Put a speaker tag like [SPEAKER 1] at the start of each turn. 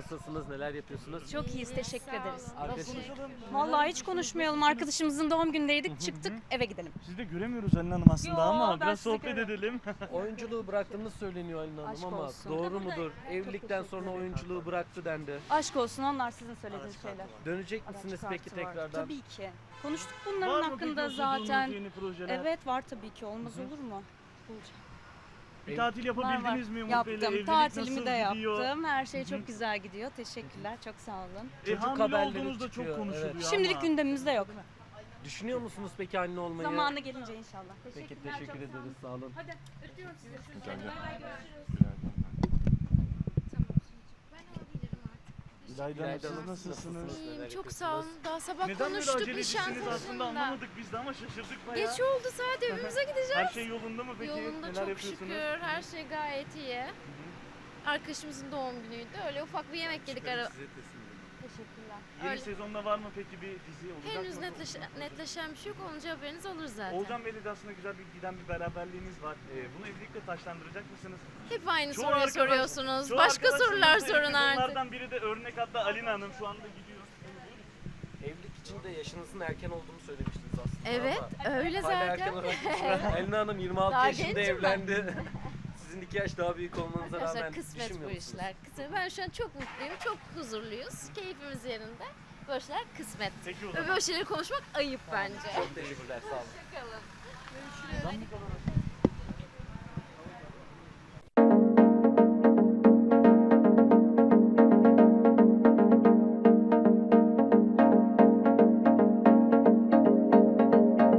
[SPEAKER 1] Nasılsınız? Neler yapıyorsunuz?
[SPEAKER 2] Çok iyiyiz, teşekkür ederiz.
[SPEAKER 1] Arkadaşım,
[SPEAKER 2] Vallahi hiç konuşmayalım. Arkadaşımızın doğum günündeydik, çıktık, eve gidelim.
[SPEAKER 3] Siz de göremiyoruz Halin Hanım aslında
[SPEAKER 2] Yo,
[SPEAKER 3] ama
[SPEAKER 2] ben
[SPEAKER 3] biraz
[SPEAKER 2] sizi
[SPEAKER 3] sohbet
[SPEAKER 2] görüyorum.
[SPEAKER 3] edelim.
[SPEAKER 1] oyunculuğu bıraktığınız söyleniyor Halin Hanım
[SPEAKER 2] Aşk
[SPEAKER 1] ama
[SPEAKER 2] olsun.
[SPEAKER 1] doğru mudur? Evlilikten sonra oyunculuğu bıraktı dendi.
[SPEAKER 2] Aşk olsun, onlar sizin söylediğiniz şeyler.
[SPEAKER 1] Dönecek misiniz
[SPEAKER 2] Araç
[SPEAKER 1] peki
[SPEAKER 2] kartı var.
[SPEAKER 1] tekrardan?
[SPEAKER 2] Tabii ki. Konuştuk
[SPEAKER 3] Var
[SPEAKER 2] bunların
[SPEAKER 3] mı
[SPEAKER 2] hakkında
[SPEAKER 3] peki okuduğunuz
[SPEAKER 2] zaten.
[SPEAKER 3] yeni projeler?
[SPEAKER 2] Evet var tabii ki, olmaz olur mu? Olacak.
[SPEAKER 3] Bir tatil
[SPEAKER 2] Var var.
[SPEAKER 3] yapabildiniz mi Umut Bey'le?
[SPEAKER 2] Yaptım,
[SPEAKER 3] Evlilik
[SPEAKER 2] tatilimi de
[SPEAKER 3] nasıl gidiyor?
[SPEAKER 2] yaptım. Her şey çok güzel gidiyor. Teşekkürler, çok sağ olun.
[SPEAKER 1] Çocuk
[SPEAKER 3] Hamile
[SPEAKER 1] haberleri
[SPEAKER 3] olduğunuzda çok
[SPEAKER 1] çıkıyor,
[SPEAKER 3] konuşuluyor
[SPEAKER 1] evet.
[SPEAKER 2] Şimdilik
[SPEAKER 3] ama.
[SPEAKER 2] gündemimizde yok.
[SPEAKER 1] Düşünüyor musunuz peki anne olmayı?
[SPEAKER 2] Zamanı gelince inşallah.
[SPEAKER 1] Peki teşekkür ederiz. Sağ olun.
[SPEAKER 2] Hadi öpüyorum sizi.
[SPEAKER 3] İlayda Hanım,
[SPEAKER 1] İlayda
[SPEAKER 3] siz
[SPEAKER 1] Hanım,
[SPEAKER 3] nasılsınız?
[SPEAKER 1] Neler
[SPEAKER 4] Çok sağ olun.
[SPEAKER 1] yapıyorsunuz?
[SPEAKER 4] Daha sabah
[SPEAKER 3] Neden böyle
[SPEAKER 4] konuştuk
[SPEAKER 3] acelecisiniz aslında
[SPEAKER 4] Nişantaşı'nda.
[SPEAKER 3] anlamadık biz de ama şaşırdık bayağı.
[SPEAKER 4] Geç oldu saat evimize gideceğiz.
[SPEAKER 3] Her şey yolunda mı peki?
[SPEAKER 4] Yolunda
[SPEAKER 3] Neler
[SPEAKER 4] çok
[SPEAKER 3] yapıyorsunuz?
[SPEAKER 4] şükür. Her şey gayet iyi. Arkadaşımızın doğum günüydü. Öyle ufak bir yemek yedik ara. Teşekkürler.
[SPEAKER 3] Yeni
[SPEAKER 4] Öyle.
[SPEAKER 3] sezonda var mı peki bir dizi olacak
[SPEAKER 4] Henüz
[SPEAKER 3] mı?
[SPEAKER 4] netleşen bir şey yok. Olunca haberiniz olur zaten.
[SPEAKER 3] Oğuzhan Bey'le de aslında güzel bir giden bir beraberliğiniz var. Bunu evlilikle taşlandıracak mısınız?
[SPEAKER 4] Hep aynı
[SPEAKER 3] Çoğu
[SPEAKER 4] soruyu
[SPEAKER 3] arkadaş-
[SPEAKER 4] soruyorsunuz.
[SPEAKER 3] çoğu
[SPEAKER 4] Başka
[SPEAKER 3] arkadaşlarımız
[SPEAKER 4] sorular
[SPEAKER 3] da
[SPEAKER 4] sorun
[SPEAKER 3] evli.
[SPEAKER 4] artık.
[SPEAKER 3] Onlardan biri de örnek hatta Alina Hanım şu anda gidiyor.
[SPEAKER 1] Evlilik için de yaşınızın erken olduğunu söylemiştiniz aslında
[SPEAKER 4] Evet,
[SPEAKER 1] ama
[SPEAKER 4] öyle
[SPEAKER 1] hala erken
[SPEAKER 4] zaten.
[SPEAKER 1] olarak Alina Hanım 26
[SPEAKER 4] Daha
[SPEAKER 1] yaşında
[SPEAKER 4] gencim ben.
[SPEAKER 1] evlendi. Sizin 2 yaş daha büyük olmanıza
[SPEAKER 4] Arkadaşlar
[SPEAKER 1] rağmen
[SPEAKER 4] kısmet
[SPEAKER 1] düşünmüyor
[SPEAKER 4] bu
[SPEAKER 1] musunuz?
[SPEAKER 4] işler. Kısmet. Ben şu an çok mutluyum. Çok huzurluyuz. Keyfimiz yerinde. Böyle şeyler kısmet.
[SPEAKER 3] Peki o
[SPEAKER 4] Ve
[SPEAKER 3] zaman.
[SPEAKER 4] böyle şeyleri konuşmak ayıp bence.
[SPEAKER 1] Çok teşekkürler. Sağ olun.
[SPEAKER 4] Bakalım.
[SPEAKER 3] Buradan mı kalalım?